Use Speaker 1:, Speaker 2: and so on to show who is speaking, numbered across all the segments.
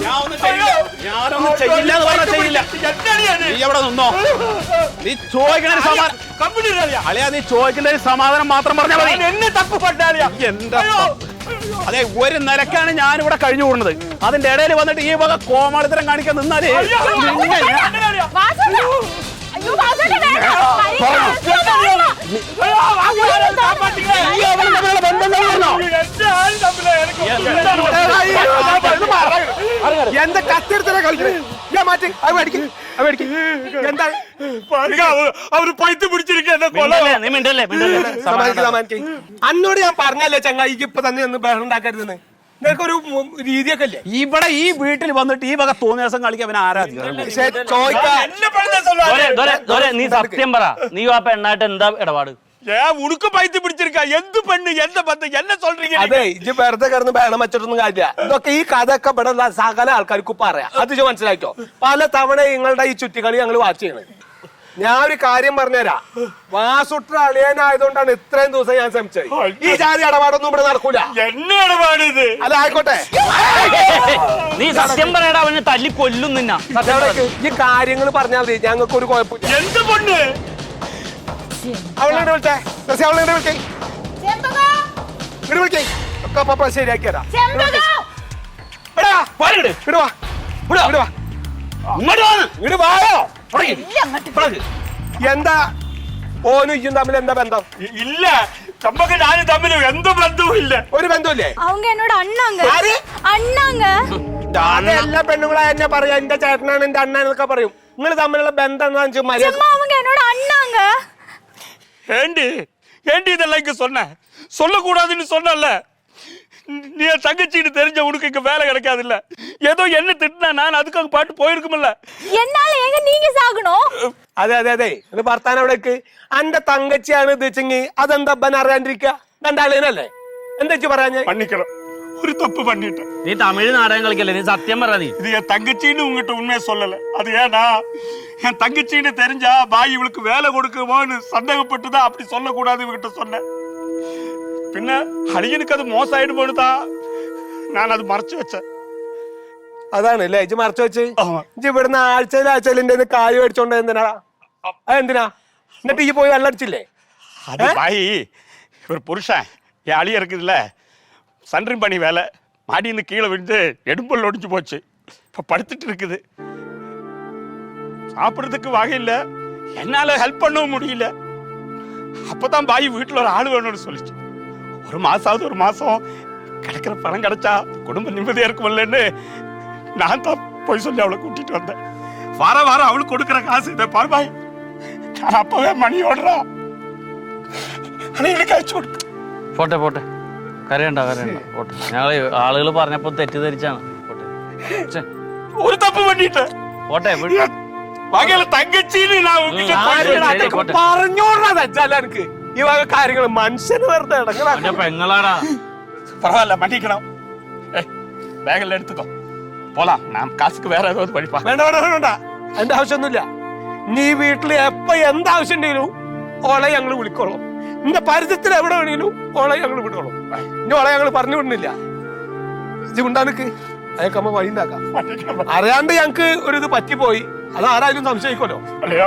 Speaker 1: ഞാനൊന്നും ചെയ്യില്ല എന്ന് പറഞ്ഞാൽ ചെയ്യില്ല. നീ എവിടെ നിന്നോ? നീ ചോദിക്കണ അളിയാ, നീ ചോദിക്കുന്ന സമാധാനം മാത്രം പറഞ്ഞാൽ മതി.
Speaker 2: എന്നെ തപ്പ് പറ്റാളിയാ.
Speaker 1: എന്താ അതെ, ഒരു നിലക്കാണ് ഞാനിവിടെ കഴിഞ്ഞു കൂടുന്നത്. അതിന്റെ ഇടയിൽ വന്നിട്ട് ഈ വക കോമാളിത്തരം കാണിക്കാൻ നിന്നാലേ
Speaker 2: എന്താ കത്തെടുത്തല്ലേ കളിക്കണേ? മാറ്റി എന്താ അവര് പൈത്ത് പിടിച്ചിരിക്കുന്ന അന്നോട് ഞാൻ പറഞ്ഞല്ലേ ചങ്ങായിക്ക് ഇപ്പൊ തന്നെ ഒന്ന് ബഹളം ഉണ്ടാക്കരുതെന്ന്. നിനക്കൊരു രീതിയൊക്കെ അല്ലേ?
Speaker 1: ഇവിടെ ഈ വീട്ടിൽ വന്നിട്ട് ഈ വക തോന്നിയ ദിവസം കളിക്കാൻ അവൻ ആരാധിക്കും.
Speaker 3: നീ സത്യം പറ, നീ ആ പെണ്ണായിട്ട് എന്താ ഇടപാട്?
Speaker 2: ഉടുക്ക് പൈത്ത് പിടിച്ചിരിക്ക. എന്ത് പെണ്ണ്, എന്ത് ബന്ധം, എന്നെ சொல்றீங்க?
Speaker 4: അതെ, ഇജ്ജ് വെറുതെ കിടന്ന് ബഹളം വെച്ചിട്ടൊന്നും കാര്യമില്ല. ഇതൊക്കെ ഈ കഥയൊക്കെ ഇവിടെ ഉള്ള സകല ആൾക്കാർക്ക് പറയാം. അത് മനസ്സിലാക്കോ? പല തവണ നിങ്ങളുടെ ഈ ചുറ്റിക്കളി ഞങ്ങൾ വാച്ച് ചെയ്യണത്. ഞാൻ ഒരു കാര്യം പറഞ്ഞുതരാം. വാസുട്ര അളിയനായതുകൊണ്ടാണ് ഇത്രയും ദിവസം ഞാൻ ശ്രമിച്ചത്. ഈ ജാതി ഇടപാടൊന്നും ഇവിടെ നടക്കൂല.
Speaker 2: എന്നെ ഇടപാടിത്
Speaker 4: അല്ല, ആയിക്കോട്ടെ.
Speaker 3: നീ സത്യം പറയടാ, അവനെ തല്ലി കൊല്ലും നിന്ന.
Speaker 4: ഈ കാര്യങ്ങൾ പറഞ്ഞാൽ മതി, ഞങ്ങൾക്ക് ഒരു കുഴപ്പമില്ല.
Speaker 2: എന്ത് പെണ്ണ്?
Speaker 4: അവളെ വിളിച്ചേ, അവളെ വിളിക്കേ, ഇങ്ങോട്ട് വിളിക്കേ. ഒക്കെ ശരിയാക്കി തരാം. എന്താ ഓനും ഇയ്യും തമ്മിൽ എന്താ ബന്ധം?
Speaker 2: ഇല്ല, ചമ്പക്ക് ഞാനും തമ്മിൽ എന്ത് ബന്ധവും ഇല്ല.
Speaker 4: ഒരു ബന്ധമില്ലേ?
Speaker 5: அவங்க என்னோட அண்ணாங்க. அண்ணாங்க.
Speaker 4: എല്ലാ പെണ്ണുങ്ങളെ എന്നെ പറയാ എന്റെ ചേട്ടനാണ് എന്റെ അണ്ണൻ എന്നൊക്കെ പറയും. നിങ്ങൾ തമ്മിലുള്ള ബന്ധം എന്താണെന്ന്
Speaker 5: சும்மா அவங்க என்னோட அண்ணாங்க.
Speaker 2: ஏண்டி இதெல்லாம் இங்க சொன்ன? சொல்லக்கூடாதுன்னு சொன்னல. நீ தங்கச்சின்னு தெரிஞ்ச உனக்கு இங்க வேலை கிடைக்காது இல்ல. ஏதோ என்ன திட்டினா நான் அதுக்காக பாட்டு போயிருக்குமில்ல.
Speaker 5: என்னால ஏங்க நீங்க சாகணும்?
Speaker 4: അതെ ഇത് ഭർത്താൻ എവിടേക്ക്? എന്റെ തങ്കച്ചിയാണ് ഉദ്ദേശിച്ചെങ്കിൽ അതെന്താ അപ്പൻ അറിയാണ്ടിരിക്കുക? രണ്ടാളേനല്ലേ? എന്താ പറയാ?
Speaker 2: பண்ணிக்கணும், ஒரு தப்பு பண்ணிட்டேன்.
Speaker 3: നീ തമിഴ് നാടകം കളിക്കല്ലേ, നീ സത്യം പറ. നീ
Speaker 2: இது என் தங்கச்சின்னு உங்ககிட்ட உண்மையை சொல்லல. அது ஏன்னா என் தங்கச்சின்னு தெரிஞ்சா பாய் இவளுக்கு வேலை கொடுக்குமோன்னு சந்தேகப்பட்டுதான் அப்படி சொல்லக்கூடாது இவகிட்ட சொன்னேன். பின்ன அழியனுக்கு அது மோசம் ஆயிடுமோனுதான் நான் அது மறைச்சு வச்சேன்.
Speaker 4: അതാണല്ലേ ഇജ്ജ് മറച്ചു വെച്ച്? ഇജ്ജ് ഇവിടുന്ന് ആഴ്ചയിൽ എന്റെ കായ് മേടിച്ചോണ്ട് എന്തിനാ? അതെന്തിനാ? എന്നിട്ട് ഈ പോയി വെള്ളടിച്ചില്ലേ?
Speaker 2: அது பாய் ஒரு புருஷன் என் அழிய இருக்குதுல்ல, சன்றிங் பண்ணி வேலை மாடியிருந்து கீழே விழுந்து எடும்பல் ஒடிஞ்சு போச்சு. இப்ப படுத்துட்டு இருக்குது. சாப்பிட்றதுக்கு வகை இல்லை, என்னால ஹெல்ப் பண்ணவும் முடியல. அப்பதான் பாய் வீட்டுல ஒரு ஆள் வேணும்னு சொல்லிச்சு. ஒரு மாசம் கிடைக்கிற பணம் கிடைச்சா குடும்ப நிம்மதியா இருக்குமில்லன்னு நான் தான் போய் சொல்லி அவளை கூட்டிட்டு வந்தேன். வாரம் அவளுக்கு கொடுக்குற காசு இதை பாரு பாய். நான் அப்பவே மணி ஓடுறா എനിക്ക് അയച്ചു കൊടുത്തു.
Speaker 3: പോട്ടെ കരയണ്ട പോട്ടെ. ഞങ്ങള് ആളുകൾ പറഞ്ഞപ്പോ തെറ്റിദ്ധരിച്ചാണ്.
Speaker 2: ഒരു തപ്പ് പറ്റിട്ട്
Speaker 3: പോട്ടെ.
Speaker 2: തങ്കച്ചിന്
Speaker 4: പറഞ്ഞോടാ എനിക്ക് ഈ വക കാര്യങ്ങൾ മനുഷ്യന് വെറുതെ
Speaker 3: പെങ്ങളാടാ.
Speaker 2: பரவாயில்ல, மன்னிக்கணும். பேகல்ல எடுத்துக்கோ, போலாம். நான் காசுக்கு வேற ஏதாவது படிப்பா.
Speaker 4: വേണ്ട എന്റെ ആവശ്യമൊന്നുമില്ല. നീ വീട്ടില് എപ്പ എന്താവശ്യം ഉണ്ടെങ്കിലും ഓളെ ഞങ്ങള് വിളിക്കോളൂ. നിന്റെ പരിചയത്തിൽ എവിടെ വേണമെങ്കിലും ഓളെ ഞങ്ങൾ വിടുകയുള്ളൂ. ഇനി ഓളെ ഞങ്ങൾ പറഞ്ഞു വിടുന്നില്ല. ഇത് ഉണ്ടാക്ക് അയക്കമ്മ വഴി ഉണ്ടാക്കാം. അറിയാണ്ട് ഞങ്ങക്ക് ഒരു ഇത് പറ്റിപ്പോയി. അത് ആരായാലും സംശയിക്കുമല്ലോ.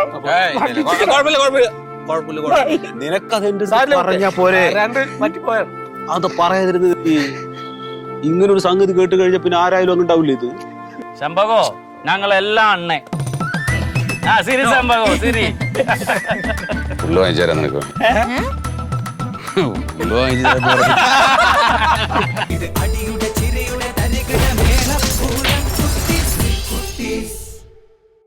Speaker 1: നിനക്കതെന്ത് പറഞ്ഞാ പോരെ?
Speaker 4: അറിയാണ്ട് പറ്റിപ്പോയാണ്.
Speaker 1: അത് പറയാതിരുന്നത്. ഇങ്ങനൊരു സംഗതി കേട്ട് കഴിഞ്ഞ പിന്നെ ആരായാലും ഒന്നും ഉണ്ടാവില്ല. ഇത്
Speaker 3: ശമ്പകോ, ഞങ്ങളെല്ലാം അണ്ണേ. ശരി ശമ്പകോ, ശരി.
Speaker 6: ഉള്ളു വാങ്ങിച്ചു തരാം നിനക്ക്. ഉള്ളു വാങ്ങിച്ചു തരാം.